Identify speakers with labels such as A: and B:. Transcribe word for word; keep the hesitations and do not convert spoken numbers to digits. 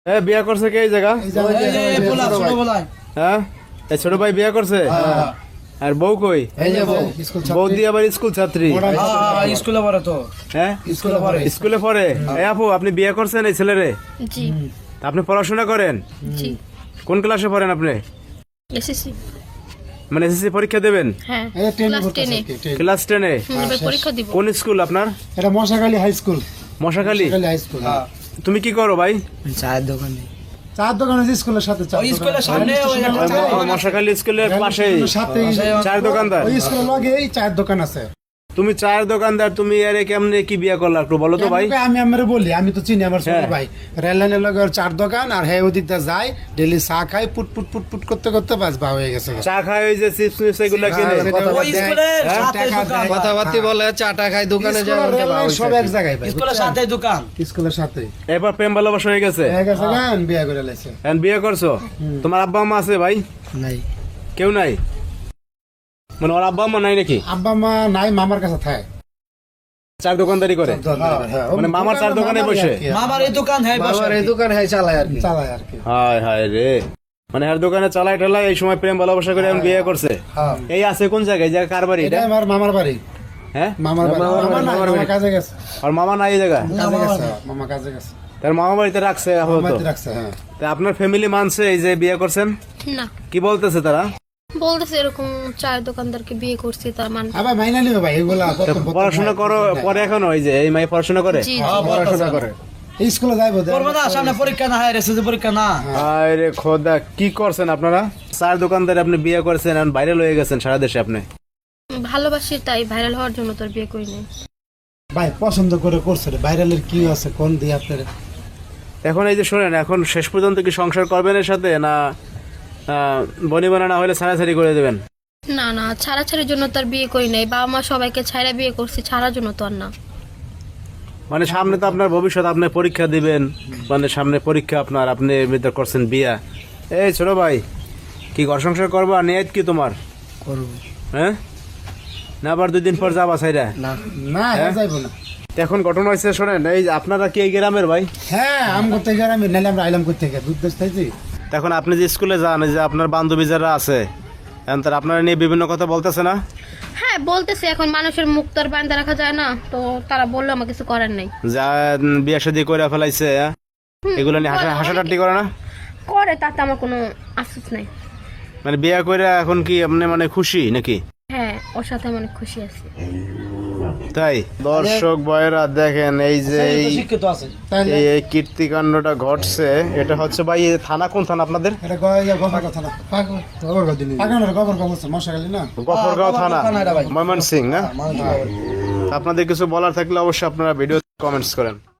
A: হ্যাঁ বিয়ে করছে কে এই জায়গা? হ্যাঁ এই ছোট ভাই বিয়ে করছে। আর বউ কই? বউ দিয়ে আবার স্কুল ছাত্রী।
B: স্কুলে পড়ে তো।
A: হ্যাঁ স্কুলে পড়ে। স্কুলে পড়ে। এই আপু আপনি বিয়ে করছেন এই ছেলেরে?
C: জি।
A: আপনি পড়াশোনা করেন?
C: জি।
A: কোন ক্লাসে পড়েন আপনি?
C: এসএসসি।
A: মানে এসএসসি পরীক্ষা দেবেন?
C: হ্যাঁ ক্লাস টেন এ।
A: ক্লাস টেন এ
C: এবার পরীক্ষা দিব।
A: কোন স্কুল আপনার?
D: এটা Mashakhali high school.
A: Mashakhali
D: high school.
A: তুমি কি করো ভাই?
B: চায়ের দোকানে।
D: চার দোকান আছে স্কুলের সাথে।
B: ওই স্কুলের সামনে ওই
A: মশাখালী স্কুলের পাশেই
D: সাথে
A: চায়ের দোকানদার।
D: ওই স্কুলের লগেই চায়ের দোকান আছে।
A: তুমি চায়ের দোকানদার, তুমি আরে কেমনে কি বিয়ে করলা একটু বলো তো ভাই।
D: আমি আমার বলি, আমি তো চিনি আমার ছোট
A: হ্যাঁ।
D: ভাই। রেল লাইনের লগে ওর চার দোকান, আর হ্যাঁ ওদিক দিয়ে যায় ডেলি চা খায়, পুট পুট পুট পুট করতে করতে বাস বা হয়ে গেছে।
A: চা খায় ওই যে চিপস মিপস এগুলা কিনে।
B: ওই স্কুলের সাথে
D: টাকা
B: দোকান।
D: দেয়।
E: কথাবার্তি বলে চাটা খাই দোকানে যায়
D: সব এক জায়গায় ভাই।
B: স্কুলের সাথে দোকান।
D: স্কুলের সাথে
A: এবার প্রেম ভালোবাসা হয়ে গেছে।
D: হয়ে গেছে গান বিয়ে করে লাইছে।
A: এখন বিয়ে করছো? তোমার আব্বা আম্মা আছে ভাই?
B: নাই।
A: কেউ নাই? মানে ওর আব্বা আম্মা নাই নাকি?
D: আব্বা মা নাই, মামার কাছে থাকে।
A: চার দোকানদারি করে? মানে মামার চার দোকানে বসে?
B: মামার এই দোকান হ্যাঁ বসে।
E: বাবার এই দোকান হ্যাঁ চালায় আর কি।
D: চালায় আর কি।
A: হায় হায় রে, মানে আর দোকানে চালাই টালাই এই সময় প্রেম ভালোবাসা করে এখন বিয়ে করছে।
D: হ্যাঁ।
A: এই আছে কোন জায়গায়? জায়গা কার বাড়ি
D: এটা
A: এটা?
D: আমার মামার বাড়ি।
A: হ্যাঁ
D: মামার বাড়ি। মামা নাই, মামা কাজে গেছে।
A: আর মামা নাই এই জায়গা?
D: কাজে গেছে, মামা কাজে গেছে।
A: তার মামা বাড়িতে রাখছে আপাতত।
D: মামাতে রাখছে, হ্যাঁ।
A: তা আপনার ফ্যামিলি মানছে এই যে বিয়ে করছেন?
C: না,
A: কি বলতেছে তারা?
C: বলতেছে এরকম চায়ের দোকানদারকে বিয়ে করছি তার মানে।
D: আবার মাইনা নিবে ভাই এগুলা।
A: তা পড়াশোনা করো পরে এখনো? ওই যে এই মাই পড়াশোনা করে?
C: জি
E: পড়াশোনা করে।
D: এই স্কুলে যাইবো।
B: পড়বে না, সামনে পরীক্ষা না হয় এসএসসি পরীক্ষা না।
A: আরে খোদা, কি করছেন আপনারা? চার দোকানদার আপনি বিয়ে করেছেন, এখন ভাইরাল হয়ে গেছেন সারা দেশে। আপনি
C: ভালোবাসি তাই ভাইরাল হওয়ার জন্য তোর বিয়ে করি নাই।
D: ভাই পছন্দ করে করছে রে, ভাইরালের কি আছে কোন দিয়ে আপনার?
A: এখন এই যে শোনেন, এখন শেষ পর্যন্ত কি সংসার করবেন এর সাথে, না বনি বানা না হলে ছাড়াছাড়ি করে দেবেন?
C: না না, ছাড়াছাড়ির জন্য তার বিয়ে করি নাই। বাবা মা সবাইকে ছাড়া বিয়ে করছি, ছাড়ার জন্য তো আর না।
A: মানে সামনে তো আপনার ভবিষ্যৎ, আপনি পরীক্ষা দিবেন, মানে সামনে পরীক্ষা আপনার, আপনি এমনিতে করছেন বিয়া। এই ছোট ভাই, কি ঘর সংসার করবা? নিয়ত কি তোমার?
B: করব।
A: হ্যাঁ, না আবার দুই দিন পর যাবা সাইরা?
B: না
D: না যাইবো না।
A: এখন ঘটনা হয়েছে শোনেন, এই যে আপনারা কি এই গ্রামের ভাই?
D: হ্যাঁ, আম করতে গেলে আমি নাইলে আমরা আইলাম করতে গেলে দুধ দেশ থাইছি।
A: এখন আপনি যে স্কুলে যান, এই যে আপনার বান্ধবী যারা আছে, এখন তারা আপনারা নিয়ে বিভিন্ন কথা বলতেছে না?
C: হ্যাঁ বলতেছে, এখন মানুষের মুখ তো আর বান্ধা রাখা যায় না, তো তারা বললো আমার কিছু করার নেই।
A: যা বিয়ে শাদী করে ফেলাইছে, হ্যাঁ? এগুলো নিয়ে হাসা হাসাটাটি করে না?
C: করে, তাতে আমার কোনো আফসোস নাই।
A: মানে বিয়ে করে এখন কি আপনি মানে খুশি নাকি?
C: হ্যাঁ, ওর সাথে আমি অনেক খুশি আছি।
A: তাই দর্শক ভাইরা দেখেন, এই যে এই
B: শিক্ষিত আছে।
A: এই এই কীর্তিকাণ্ডটা ঘটছে, এটা হচ্ছে ভাই এই থানা কোন থানা আপনাদের?
D: এটা গয়া গফর কথা না। গফর গদি নি। আগানোর গফর গফর মশাখালী না।
A: গফরগাঁও থানা,
B: থানা এটা ভাই।
A: ময়মনসিংহ। হ্যাঁ, আপনাদের কিছু বলার থাকলে অবশ্যই আপনারা ভিডিও কমেন্টস করেন।